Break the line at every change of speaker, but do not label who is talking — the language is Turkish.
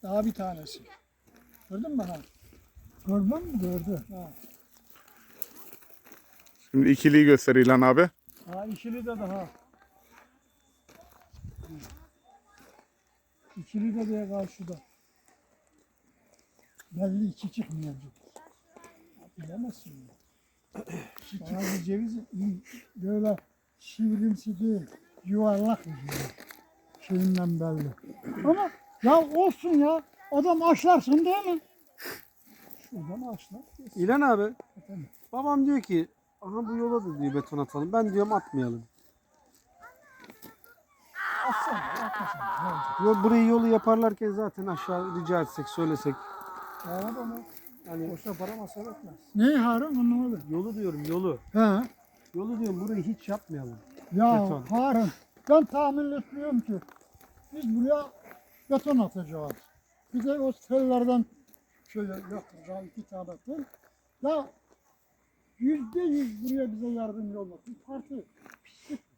Daha bir tanesi. Gördün mü ha?
Gördün mü? Gördü.
Ha.
Şimdi ikiliyi göster İlhan abi.
Ha ikili de daha. İkili de diye karşıda.
Belli iki çıkmayacak.
Bilemezsin.
Bazı ceviz böyle sivrimsi değil, yuvarlak bir ceviz. Şeyinden belli. Ama ya olsun ya, adam aşlarsın değil mi?
Şuradan açlar.
İlhan abi,
Efendim?
babam diyor ki, aha bu yola da diyor beton atalım. Ben diyorum atmayalım.
Atsana, atmasana. Ne olacak?
Burayı yolu yaparlarken zaten aşağı rica etsek, söylesek.
Ya adamı
Hani
boşuna para masraf etmez.
Ne Harun anlamadım.
yolu diyorum, yolu.
He.
Yolu diyorum, burayı hiç yapmayalım.
Ya
Beton.
Harun, ben tahmin etmiyorum ki biz buraya beton atacağız. Bir de o tellerden şöyle yapacağız 2 tane tel. Ya %100 buraya bize yardımcı olmak. Bir parti pislik